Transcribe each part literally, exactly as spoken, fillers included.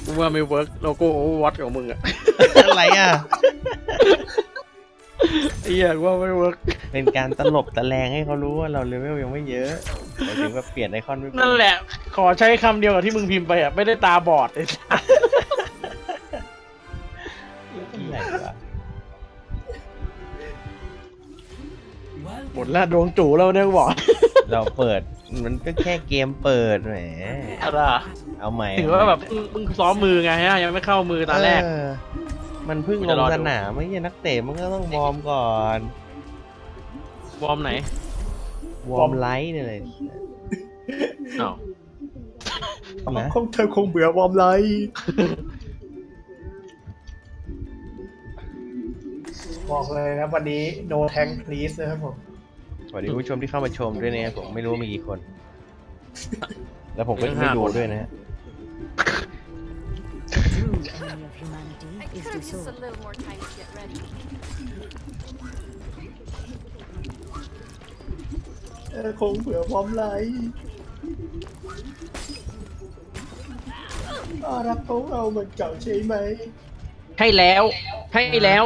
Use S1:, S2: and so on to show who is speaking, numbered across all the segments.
S1: กูว่าไม่เวิร์กโลโก้โอเวอร์วอทของมึงอะ
S2: อะไรอ่ะ
S1: ไอ้เหี้ยกูว่าไม่เวิร์ก
S2: เป็นการตลบตะแลงให้เขารู้ว่าเราเลเวลยังไม่เยอะหมายถึงว่าเปลี่ยนไอคอนไม่เป็น
S1: นั่นแหละ ขอใช้คำเดียวกับที่มึงพิมพ์ไปอ่ะ ไม่ได้ตาบอดไอ้สัส
S2: อะไรวะ
S1: หมดแล้วดวงจู่แล้วเนี่ยกูบอก
S2: เราเปิดมันก็แค่เกมเปิดแหม
S1: อะไรอะ
S2: เอาใหม่
S1: ถือว่าแบบมึงมึงซ้อมมือไงฮะยังไม่เข้ามือตอนแรก
S2: เออมันเพิ่ง
S1: กู
S2: ล
S1: จะ
S2: ง
S1: รอดู
S2: สนามไม่ใช่นักเตะมันก็ต้องวอร์มก่อน
S1: วอร์มไหน
S2: วอร์มไลท์เนี่ยเลย
S1: อ้าว
S2: นะ
S3: คงเธอคงเบื่อวอร์มไลท์บอกเลยนะวันนี้ no tank please นะครับผม
S2: สวัสดีผู้ชมที่เข้ามาชมด้วยนะครับผมไม่รู้ว่ามีกี่คน แล้วผมก็จะไม่ดูด้วยนะฮะ
S4: True enemy of humanity
S5: I
S4: is
S5: could have used a
S4: disorder.
S5: little more time to get ready.
S3: เธอคงเบื่อวอร์มไลท์รักของเราเหมือนเก่าใช่ไหม
S1: ให้แล้ว ให้แล้ว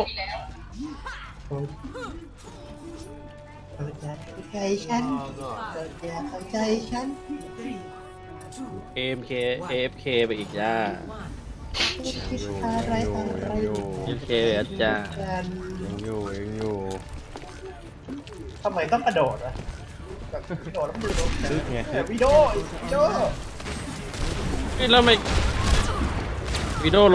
S3: เธอจะเข้าใจฉันเธอจะเข้าใจฉัน
S1: เอ็ม เค เอ เอฟ เค ไปอีกจ้า
S3: คิดอะไรอะไร
S2: อยู่
S1: เอฟ เค ไปอีกจ้า
S3: กัน
S2: ยังอยู่ยังอยู่
S3: ทำไมต้องกระโดดอะแบบกระโดดแล้วมือโดน
S2: ลึกไง
S3: แต่วิดีโอวิดีโอ
S1: นี่แล้วไม่วิดีโอโล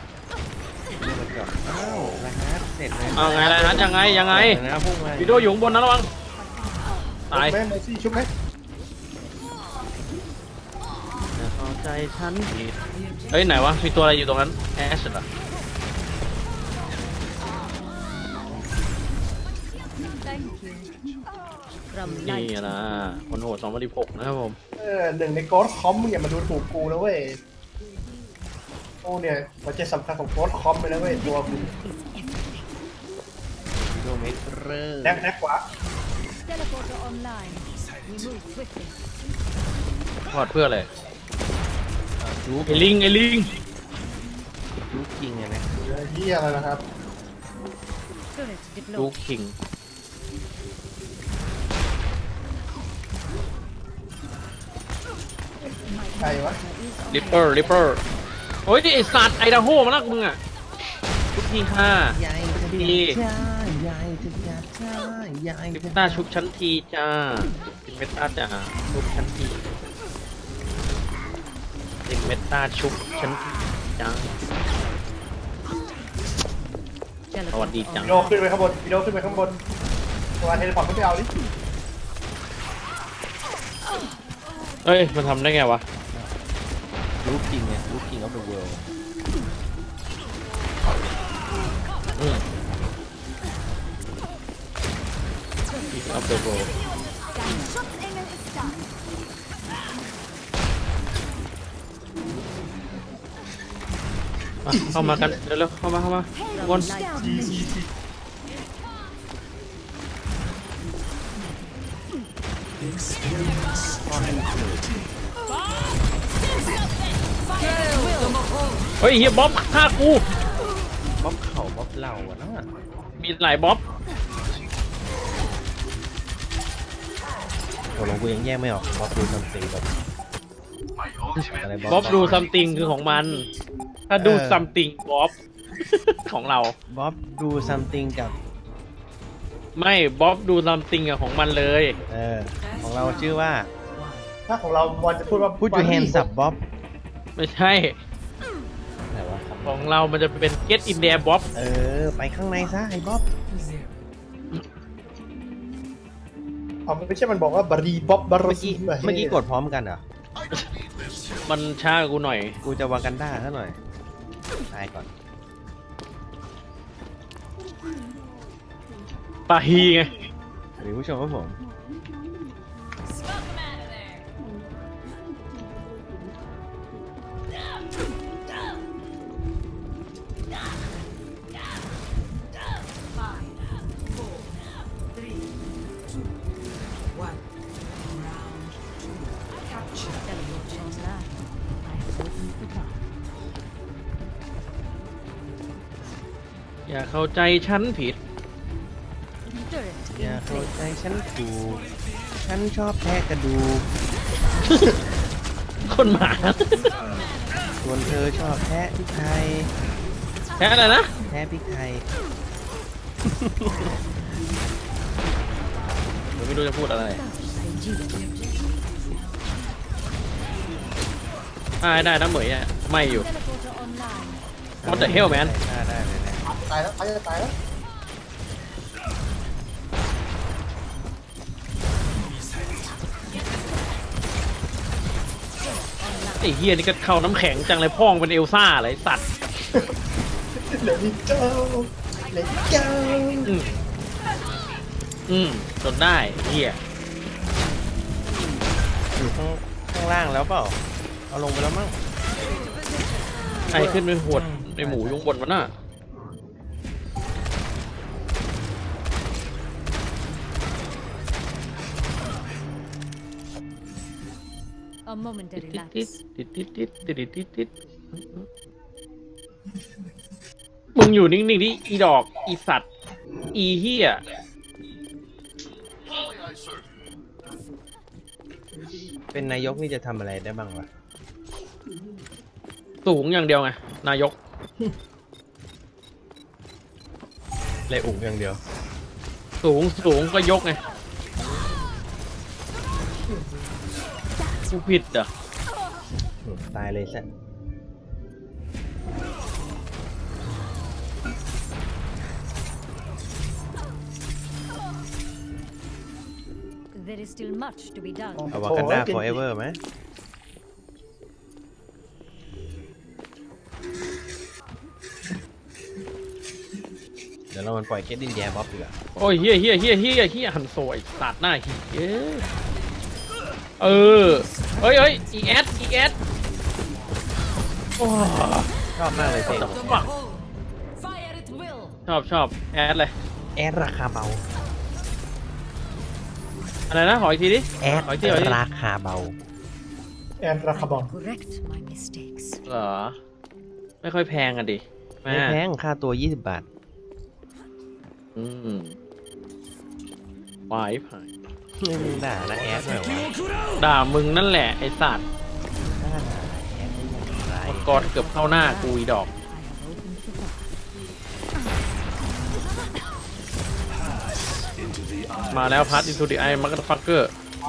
S2: อ้าวนะฮะเสร็จเลย
S1: เอาไงล่ะนะยังไงยังไง
S2: นะพุ่งมา
S1: วิดีโออยู่ข้างบนนะระวัง ตาย
S3: แม่เมซี่ชุบไหม
S1: เข้าใจฉันผิดเฮ้ยไหนวะมีตัวอะไรอยู่ตรงนั้นแอชเหรอ
S4: From
S1: นี่
S4: light
S1: นะคนโหดสองพันสิบหกนะครับผม
S3: เออหนึ่งในโกดคอมมึงอย่ามาดูถูกกูนะเว้ยโอ้เนี่ยหัวใจสำคัญของโกดคอมเลยนะเว้ยตัวมึง
S2: กิโลเมตรเรอร์
S3: แนกแนกขวา
S4: teleporter online. We move swiftly.
S1: พอดเพื่ออะไร
S2: จุก
S1: ไอ้ลิงไอ้ลิง
S2: จุกจริงอะนะ
S3: เยี่ยอะไรนะครับ
S4: Turret
S1: ลู
S4: deployed.
S1: กคิง
S3: ใครวะ
S1: ริปเปอร์ริปเปอร์โอ้ยนี่ไอสัตว์ไอดาโฮมาลักมึงอ่ะทุกทีค่ะ
S2: ยายจะ
S1: ดี
S2: จ้ายายจะจ้าจ้ายาย
S1: ลิป
S2: จะ
S1: ต้าชุบชั้นทีจ้าเป็นเมตาจ้าชุบชั้นทีเป็นเมตาชุบชั้นทีจ้า สวัสดีจัง
S3: วิดีโอขึ้นไปข้างบนวิดีโอขึ้นไปข้างบนตัวเทเลพอร์ตก็ไปเอาดิ
S1: เอ้ยมันทำได้ไงวะ
S2: ลูกจริงเนี่ยลูกจริงออฟเดอะเวิลด์
S1: อืมอีกอัพเดทโบเข้ามากันเร็วๆเข้ามาเข้ามาวน เฮ้ยเฮียบ๊อบฆ่ากู
S2: บ๊อบเข่าบ๊อบเหล่าอะนะ
S1: มีหลายบ๊อบ
S2: ตกลงกูยังแยกไม่ออกบ๊อบดูซัมติงแบบอะไร
S1: บ๊อบดูซัมติงคือของมัน ถ้าดู
S2: เออ
S1: ซัมติงบ๊อบ ของเรา
S2: บ๊อบดูซัมติงกับ
S1: ไม่บ๊อบดูซัมติงอะของมันเลย
S2: เออของเราชื่อว่า
S3: ถ้าของเราบอลจะพูดว่า
S2: พูดอยู่แฮนด์สับบ๊อบ
S1: ไม่ใช่
S2: ไหนวะครับ
S1: ของเรามันจะเป็น get in there บ๊อบ
S2: เออไปข้างในซะไอ้บ๊อบ
S3: เอามันไม่ใช่มันบอกว่าบารีบ๊อบบาร์
S2: เมื่อ
S3: ซี
S2: กี้เมื่อกี้กดพร้อมกันเหรอ
S1: มันช้ากว่ากูหน่อย
S2: กูจะวากันด้าซะหน่อยตายก่อน
S1: ปาฮีไง
S2: หรือผู้ชมครับผม
S4: Teleporter online. I have opened the door.
S1: อย่าเข้าใจฉันผิด
S4: Turret
S2: อย่า
S4: in
S2: เข้า
S4: place.
S2: ใจฉันถูกฉันชอบแทะกระดูก
S1: คนหมา
S2: ส่วนเธอชอบแทะพริกไทย
S1: แค่อะไรนะ
S2: แทะพริกไทย
S1: ผมไม่รู้จะพูดอะไร ได้ได้นะเหมยอ่ะไม่อยู่
S4: Teleporter online.
S1: What the hell man
S2: ได้ได้เลยนะ
S3: ตายแล้วตายแล้วตายแล้ว
S1: ไอ้เฮียนี่ก็เข้าน้ำแข็งจังเลยพ่องเป็นเอลซ่าเลยสัตว์
S3: เหลือนิดเจ้าเหลือนิดเจ้า
S1: อืมอืมจนได้เฮีย
S2: อยู่ข้างข้างล่างแล้วเปล่าเอาลงไปแล้วมั้ง
S1: ใครขึ้นไปหวดในหมูยุงบนมันน่ะ
S4: A momentary
S1: ติด
S4: lapse.
S1: ติดติดติดติดติดติดติดมึงอยู่นิ่งๆดิอีดอกอีสัตว์อีเฮีย
S2: เป็นนายกนี่จะทำอะไรได้บ้างวะ
S1: สูงอย่างเดียวไงนายก
S2: เลยอุ๋งอย่างเดียว
S1: สูงสูงก็ยกไงกูผิดเหรอ
S2: อืมตายเลยซะ
S4: There is still much to be done.
S2: เอาวากันดา forever ไหมเดี๋ยวเรามันปล่อยเกตดินแยบ๊อบดีกว่า
S1: โอ้ยเฮียเฮียเฮียเฮียเฮียหันโซยสัตว์หน้าเฮียเออเอ้ยเอ้ยอีแอดอีแอดโอ้
S2: ชอบมากเลยเพลง
S4: Fire at will.
S1: ชอบชอบแอดเลย
S2: แอดราคาเบา
S1: อะไรนะขออีกทีดิ
S2: แอด
S1: ขออีกทีขออีกที
S2: ราคาเบา
S3: แอนราคาบอล
S4: Correct my mistakes.
S1: เหรอไม่ค่อยแพงอ่ะดิแม่
S2: ไม่แพงค่าตัวยี่สิบบาท
S1: อืมวายผ่าน
S2: ไม่มึงด่านะแอดหน่อยวะ
S1: ด่ามึงนั่นแหละไอ้สัตว์
S2: ด่าแอดได้อย่างไร
S1: มังกรเกือบเข้าหน้ากูอีดอก มาแล้วพัดอินทูดิไอมักฟักเกอร์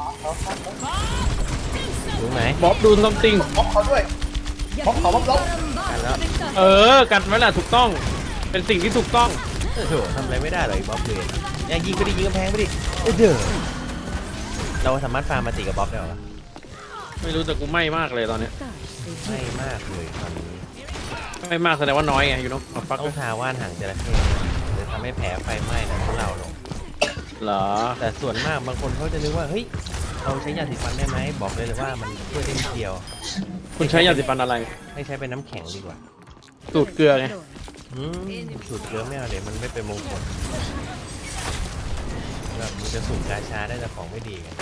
S2: รู้ไหม
S1: บ๊อบดูซัมติง
S3: บล็อกเขาด้วยบล็อกเขาบล็อกล็อก
S2: กันแล้ว
S1: เออ กันไว้ล่ะถูกต้อง เป็นสิ่งที่ถูกต้อง
S2: โอ้โหทำอะไรไม่ได้หรอกไอ้บ๊อบเลยอย่ายิงไปดิยิงกำแพงไปดิเอ้ยเด้อเราสามารถฟาร์มมาติกับบ๊อบได้เหรอ
S1: ไม่รู้แต่กูไม่มากเลยตอนเนี้ย
S2: ไม่มากเลยตอนนี้
S1: ไม่มากแสดงว่าน้อยไงอยู่เนาะฟัก
S2: ต้องทาว่านหางจระเข้จะทำให้แผลไฟไหม้นะของเราลง
S1: เหรอ
S2: แต่ส่วนมากบางคนเขาจะนึกว่าเฮ้ยเราใช้ยาสีฟันได้ไหมบอกเลยเลยว่ามันช่วยได้นิดเดียว
S1: คุณใช้ยาสีฟันอะไร
S2: ให้ใช้เป็นน้ำแข็งดีกว่า
S1: สูตรเกลือไง
S2: อืมสูตรเกลือไม่เอาเดี๋ยวมันไม่เป็นมงคลแบบมันจะสูตรกาชาได้แต่ของไม่ดีไง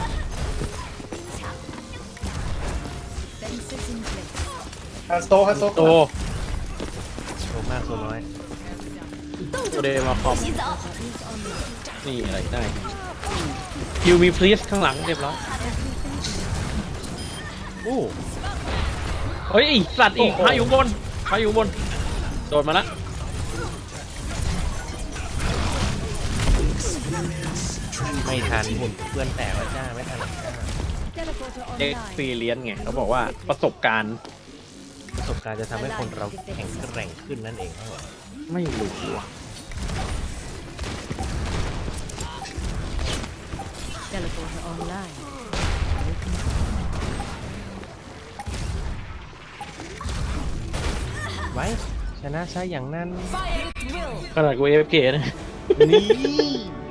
S4: Fences in place.
S3: ฮันโซฮันโซ
S1: โต
S2: โชว์มากโชว์น้อย
S1: โตเดมาคอม นี่อะไรได้คิวมีพลีสข้างหลังเรียบร้อย
S2: อู้
S1: เฮ้ยไอ้สัตว์อีกพาอยู่บนพาอยู่บน โดดมาละ
S2: ไม่ทันหุ่นเพื่อนแตกแล้วจ้าไม่ทันหรอกจ้า
S4: Teleporter
S1: เอ็ก
S4: online.
S1: ซ์เพรียนไงเขาบอกว่าประสบการณ์
S2: ประสบการณ์จะทำให้คนเราแข็งแกร่งขึ้นนั่นเองครับผม
S1: ไม่รู้อะ
S4: Teleporter online.
S2: ไว้ชนะซะอย่างนั้น
S4: Fire at will.
S1: ขนาดกูเอฟเกนะ
S2: นี่